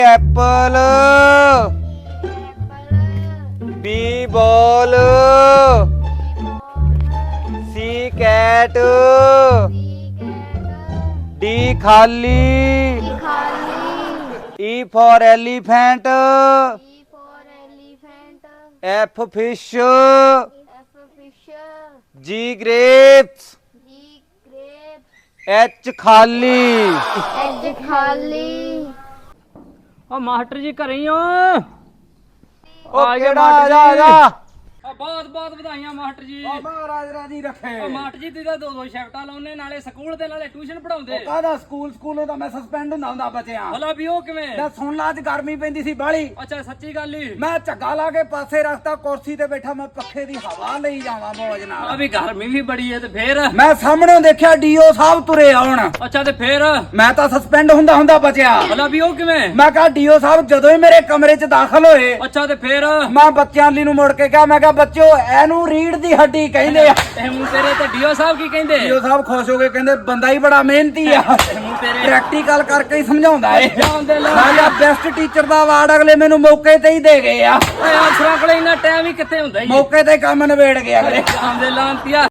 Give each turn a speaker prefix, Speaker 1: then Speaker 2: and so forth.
Speaker 1: Apple B ball C cat D ਖਾਲੀ E for elephant F fish G grapes H ਖਾਲੀ
Speaker 2: ਆ master ਜੀ ਘਰੇ ਹੀ ਹੋ?
Speaker 1: ਉਹ ਕਿਹੜਾ ਆ ਜਾ
Speaker 2: ਬਹੁਤ ਬਹੁਤ ਵਧਾਈਆਂ ਮਾਸਟਰ ਜੀ।
Speaker 1: ਮਹਾਰਾਜ ਰਾਜੀ ਰੱਖੇ।
Speaker 2: ਮਾਸਟਰ ਜੀ ਤੁਸੀਂ ਤਾਂ ਦੋ ਸ਼ਿਫਟਾਂ ਲਾਉਨੇ, ਨਾਲੇ ਸਕੂਲ ਤੇ ਨਾਲੇ ਟਿਊਸ਼ਨ ਪੜਾਉਂਦੇ।
Speaker 1: ਕਾਹਦਾ ਸਕੂਲੋਂ ਤਾਂ ਮੈਂ ਸਸਪੈਂਡ ਹੁੰਦਾ ਬੱਚਿਆਂ।
Speaker 2: ਭਲਾ ਵੀ ਉਹ ਕਿਵੇਂ?
Speaker 1: ਮੈਂ ਸੁਣ ਲਾ, ਅੱਜ ਗਰਮੀ ਪੈਂਦੀ ਸੀ ਬਾਹਲੀ।
Speaker 2: ਅੱਛਾ ਸੱਚੀ ਗੱਲ ਹੀ।
Speaker 1: ਮੈਂ ਝੱਗਾ ਲਾ ਕੇ ਪਾਸੇ ਰੱਖਤਾ, ਕੁਰਸੀ ਤੇ ਬੈਠਾ, ਮੈਂ ਪੱਖੇ ਦੀ ਹਵਾ ਲਈ ਜਾਵਾਂ ਮੌਜ ਨਾਲ।
Speaker 2: ਆ ਵੀ ਗਰਮੀ ਵੀ ਬੜੀ ਹੈ ਤੇ ਫੇਰ?
Speaker 1: ਮੈਂ ਸਾਹਮਣੇ ਦੇਖਿਆ ਡੀਓ ਸਾਹਿਬ ਤੁਰੇ ਆਉਣ।
Speaker 2: ਅੱਛਾ ਤੇ ਫੇਰ?
Speaker 1: ਮੈਂ ਤਾਂ ਸਸਪੈਂਡ ਹੁੰਦਾ ਬਚਿਆ।
Speaker 2: ਭਲਾ ਵੀ ਉਹ ਕਿਵੇਂ?
Speaker 1: ਮੈਂ ਕਿਹਾ ਡੀਓ ਸਾਹਿਬ ਜਦੋਂ ਹੀ ਮੇਰੇ ਕਮਰੇ 'ਚ ਦਾਖਲ ਹੋਏ,
Speaker 2: ਅੱਛਾ ਤੇ ਫੇਰ?
Speaker 1: ਮੈਂ ਬੱਚਿਆਂ ਲਈ ਨੂੰ ਮੁੜ ਕੇ ਕਿਹਾ, ਮੈਂ ਕਿਹਾ ਬੱਚਿਓ ਇਹਨੂੰ ਰੀੜ ਦੀ ਹੱਡੀ ਕਹਿੰਦੇ ਆ।
Speaker 2: ਇਹ ਮੂੰਹ ਤੇਰੇ ਤੇ ਡੀਓ ਸਾਹਿਬ ਕੀ ਕਹਿੰਦੇ?
Speaker 1: ਡੀਓ ਸਾਹਿਬ ਖੁਸ਼ ਹੋ ਕੇ ਕਹਿੰਦੇ ਬੰਦਾ ਹੀ ਬੜਾ ਮਿਹਨਤੀ ਆ,
Speaker 2: ਮੂੰਹ ਤੇਰੇ
Speaker 1: ਪ੍ਰੈਕਟੀਕਲ ਕਰਕੇ ਹੀ ਸਮਝਾਉਂਦਾ ਏ।
Speaker 2: ਜਾਂਦੇ ਲਾ
Speaker 1: ਸਾਡਾ ਬੈਸਟ ਟੀਚਰ ਦਾ ਅਵਾਰਡ ਅਗਲੇ ਮੈਨੂੰ ਮੌਕੇ ਤੇ ਹੀ ਦੇ ਗਏ ਆ।
Speaker 2: ਓਏ ਅਫਸਰਾਂ ਕੋਲੇ ਇੰਨਾ ਟਾਈਮ ਹੀ ਕਿੱਥੇ ਹੁੰਦਾ ਹੀ?
Speaker 1: ਮੌਕੇ ਤੇ ਕੰਮ ਨਿਬੇੜ ਗਿਆ ਅਗਲੇ।
Speaker 2: ਜਾਂਦੇ ਲਾਂਤੀਆ।